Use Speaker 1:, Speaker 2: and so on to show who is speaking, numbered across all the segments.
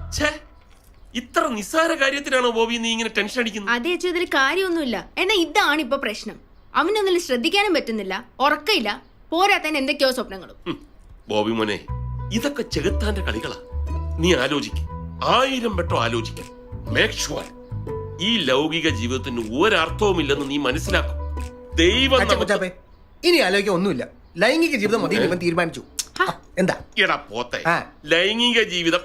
Speaker 1: ഇത്ര നിസ്സാര കാര്യത്തിനാണോ ബോബി നീ ഇങ്ങനെ ടെൻഷൻ അടിക്കുന്നത്?
Speaker 2: അതേ അച്ഛൻ, ഇതിൽ കാര്യമൊന്നുമില്ല. എന്നാ ഇതാണ് ഇപ്പൊ പ്രശ്നം. അവനൊന്നും ശ്രദ്ധിക്കാനും പറ്റുന്നില്ല, ഉറക്കയില്ല, പോരാത്തന്നെ എന്തൊക്കെയോ സ്വപ്നങ്ങളും.
Speaker 1: ബോബി മോനെ, ഇതൊക്കെ ചെകുത്താന്റെ കളികളാ. നീ ആലോചിക്ക, 1000 വട്ടം ആലോചിക്ക. മേക്ക് ഷുവർ ഈ ലൗകിക ജീവിതത്തിന് ഒരർത്ഥവുമില്ലെന്ന് നീ മനസ്സിലാക്കും. ദൈവം
Speaker 3: ഇനി ആലോചിക്കാൻ ഒന്നുമില്ല. ലൈംഗിക ജീവിതം മതി ഇവൻ തീരുമാനിച്ചു. എന്താ
Speaker 1: എടാ പോത്തെ, ലൈംഗിക ജീവിതം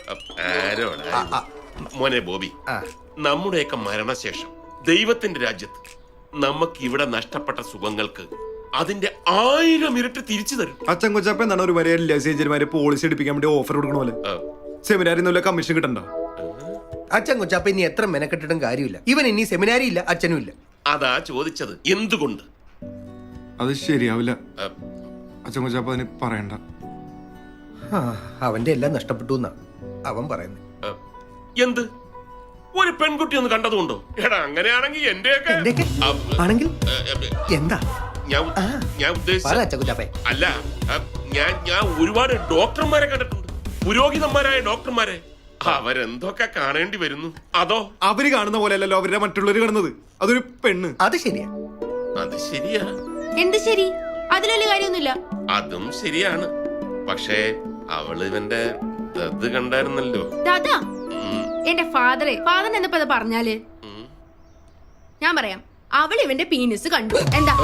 Speaker 1: മോനെ ബോബി, നമ്മുടെയൊക്കെ മരണശേഷം ദൈവത്തിന്റെ രാജ്യത്ത് നമുക്ക് ഇവിടെ നഷ്ടപ്പെട്ട സുഖങ്ങൾക്ക് അതിന്റെ 1000 ഇരട്ടി തിരിച്ചു തരും.
Speaker 4: അച്ഛൻ കൊച്ചപ്പ എന്താണ് ഒരു വരെ ലൈസേഞ്ചർമാരെ പോളിസി എടുപ്പിക്കാൻ വേണ്ടി ഓഫർ കൊടുക്കണ പോലെ സെമിനാരിൽ കമ്മീഷൻ കിട്ടണ്ട.
Speaker 3: അച്ഛൻ കൊച്ചപ്പ ഇനി എത്ര മെനക്കെട്ടിട്ടും കാര്യമില്ല. ഇവൻ ഇനി സെമിനാരി ഇല്ല, അച്ഛനും ഇല്ല.
Speaker 1: അതാ ചോദിച്ചത്, എന്തുകൊണ്ട്?
Speaker 4: അത് ശരിയാവില്ല അച്ഛൻ കൊച്ചപ്പ, അതിന് പറയണ്ട.
Speaker 3: അവന്റെ എല്ലാം നഷ്ടപ്പെട്ടു എന്നാ അവൻ പറയുന്നത്.
Speaker 1: എന്ത് ഒരു പെൺകുട്ടി ഒന്ന് കണ്ടതുകൊണ്ടോ? എടാ അങ്ങനെയാണെങ്കിൽ എന്റെയൊക്കെ
Speaker 3: ആണെങ്കിൽ എന്താ
Speaker 1: ഞാൻ ഉദ്ദേശിച്ച അല്ല, ഞാൻ ഒരുപാട് ഡോക്ടർമാരെ കണ്ടിട്ടുണ്ട്, പുരോഹിതന്മാരായ ഡോക്ടർമാരെ. അവരെന്തൊക്കെ കാണേണ്ടി വരുന്നു. അതോ
Speaker 4: അവര് കാണുന്ന പോലെയല്ലോ അവരുടെ മറ്റുള്ളവര് കാണുന്നത്. അതൊരു പെണ്ണ്.
Speaker 3: അത് ശരിയാ,
Speaker 1: അത് ശരിയാ.
Speaker 2: എന്ത് ശരി? അതിലൊരു കാര്യമൊന്നുമില്ല.
Speaker 1: അതും ശരിയാണ്. പക്ഷേ അവള് ഇവന്റെ ഇത് കണ്ടായിരുന്നല്ലോ.
Speaker 2: ദാദാ, എന്റെ ഫാദറിന് എന്താ പറഞ്ഞാല് ഞാൻ പറയാം. അവൾ ഇവന്റെ പീനിസ് കണ്ടു. എന്താ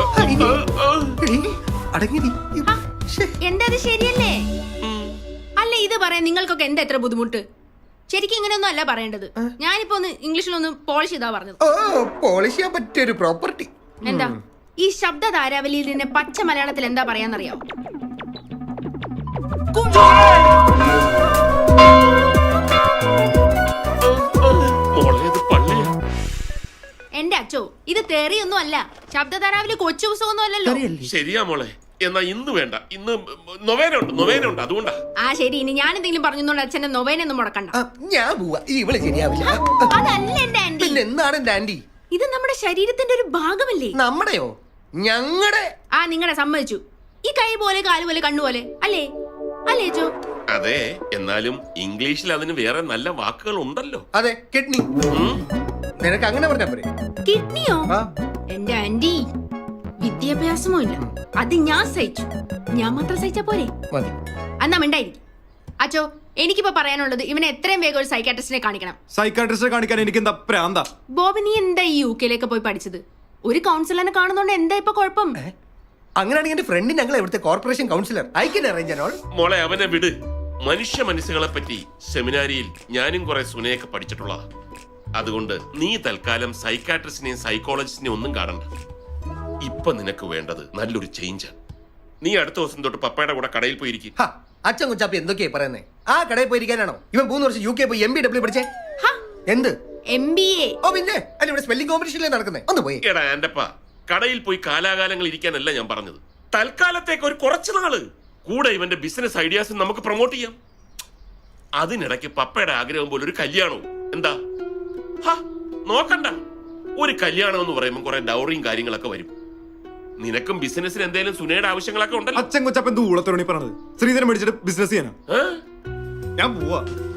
Speaker 2: എന്താ അത് ശരിയല്ലേ? അല്ല, ഇത് പറയാൻ നിങ്ങൾക്കൊക്കെ എന്താ എത്ര ബുദ്ധിമുട്ട്? ശരിക്കും ഇങ്ങനെയൊന്നും അല്ല പറയേണ്ടത്. ഞാനിപ്പോ ഒന്ന് ഇംഗ്ലീഷിലൊന്ന് പോളിഷ് ചെയ്താ പറഞ്ഞത്.
Speaker 3: പോളിഷ് ചെയ്യാൻ പറ്റിയൊരു പ്രോപ്പർട്ടി.
Speaker 2: എന്താ ഈ ശബ്ദ ധാരാവലിയിൽ തന്നെ പച്ച മലയാളത്തിൽ എന്താ പറയാന്നറിയാവോ? എന്റെ അച്ചോ, ഇത് തെറിയൊന്നും അല്ല. ശബ്ദധാരാവില് കൊച്ചു പുസ്തകമൊന്നും അല്ലല്ലോ.
Speaker 1: ശരിയാ മോളെ. എന്നാ ഇന്ന് വേണ്ട, ഇന്ന് നൊവേനുണ്ട് അതുകൊണ്ടാ.
Speaker 2: ആ ശരി, ഇനി ഞാൻ എന്തെങ്കിലും പറഞ്ഞോണ്ട് അച്ഛന്റെ നൊവേനൊന്നും മുടക്കണ്ട.
Speaker 3: ഞാൻ പോവാ, ഇവള് ശരിയാവില്ല.
Speaker 2: അതല്ല എന്റെ ആന്റി.
Speaker 3: എന്താണ് എന്റെ ആന്റി?
Speaker 2: ഇത് നമ്മുടെ ശരീരത്തിന്റെ ഒരു ഭാഗമല്ലേ?
Speaker 3: നമ്മുടെയോ? ഞങ്ങളുടെ?
Speaker 2: നിങ്ങളുടെ സമ്മതിച്ചു. ഈ കൈ പോലെ കാല് പോലെ കണ്ണുപോലെ അല്ലേ? അല്ലേ ചോ?
Speaker 1: അതെ, എന്നാലും ഇംഗ്ലീഷിൽ അതിന് വേറെ നല്ല വാക്കുകൾ ഉണ്ടല്ലോ.
Speaker 3: അതെ, കിഡ്നി. നിനക്ക് അങ്ങനെ പറഞ്ഞാ പോരെ?
Speaker 2: കിഡ്നിയോ? എന്റെ ആന്റി, വിദ്യാഭ്യാസമോ ഇല്ല, അത് ഞാൻ സഹിച്ചു. ഞാൻ മാത്രം സഹിച്ചാ പോരെ? എന്നാ മിണ്ടായിരിക്കും. അച്ചോ, എനിക്കിപ്പോ പറയാനുള്ളത് ഇവനെ എത്രയും വേഗം ഒരു സൈക്കാട്രിസ്റ്റിനെ കാണിക്കണം.
Speaker 4: സൈക്കാട്രിസ്റ്റിനെ കാണിക്കാൻ എനിക്ക് എന്താ പ്രാന്താ?
Speaker 2: ബോബി, നീ എന്താ ഈ UK പോയി പഠിച്ചത്? ഒരു കൗൺസിലറിനെ കാണുന്നോണ്ട് എന്താ ഇപ്പൊ കുഴപ്പം?
Speaker 3: അങ്ങനെയാണെങ്കിൽ എന്റെ ഫ്രണ്ട് ഞങ്ങൾ ഇവിടുത്തെ corporation councillor, I can arrange and all.
Speaker 1: മോളെ അവനെ വിട്. മനുഷ്യ മനസ്സുകളെ പറ്റി സെമിനാരിയിൽ ഞാനും കുറെ സുനയൊക്കെ പഠിച്ചിട്ടുള്ളതാ. അതുകൊണ്ട് നീ തൽക്കാലം സൈക്കാട്രിസ്റ്റിനെയും സൈക്കോളജിസ്റ്റിനെയും ഒന്നും കാണണ്ട. ഇപ്പൊ നിനക്ക് വേണ്ടത് നല്ലൊരു ചേഞ്ചാണ്. നീ അടുത്ത ദിവസം തൊട്ട് പപ്പയുടെ കൂടെ കടയിൽ പോയിരിക്കും.
Speaker 3: അച്ഛൻ കുച്ചാപ്പി എന്തൊക്കെയാ പറയുന്നേ? ആ കടയിൽ പോയിരിക്കാനാണോ ഇവൻ 3 വർഷം UK പോയി MBW പഠിച്ചേ? എന്ത് MBA? ഓ പിന്നെ അല്ല, ഇവിടെ സ്പെല്ലിംഗ് കോമ്പറ്റീഷനിലേ നടക്കുന്നേ. ഒന്ന് പോയി.
Speaker 1: എടാ എന്റെപ്പാ, കടയിൽ പോയി കാലാകാലങ്ങൾ ഇരിക്കാനല്ല ഞാൻ പറഞ്ഞത്. തൽക്കാലത്തേക്ക് ഒരു കുറച്ചു നാള് കൂടെ ഇവന്റെ ബിസിനസ് ഐഡിയാസ് നമുക്ക് പ്രൊമോട്ട് ചെയ്യാം. അതിനിടയ്ക്ക് പപ്പയുടെ ആഗ്രഹം പോലെ ഒരു കല്യാണവും. എന്താ? നോക്കണ്ട, ഒരു കല്യാണം എന്ന് പറയുമ്പോൾ കുറെ ഡൗറിയും കാര്യങ്ങളൊക്കെ വരും. നിനക്കും ബിസിനസ്സിന് എന്തെങ്കിലും സുനയുടെ ആവശ്യങ്ങളൊക്കെ ഉണ്ടല്ലോ.
Speaker 4: അച്ഛൻ കൊച്ചപ്പൻ ഊളത്തോണി പറഞ്ഞത് ശ്രീധരൻ മേടിച്ചിട്ട് ബിസിനസ് ചെയ്യാനാ. ഞാൻ പോവാ.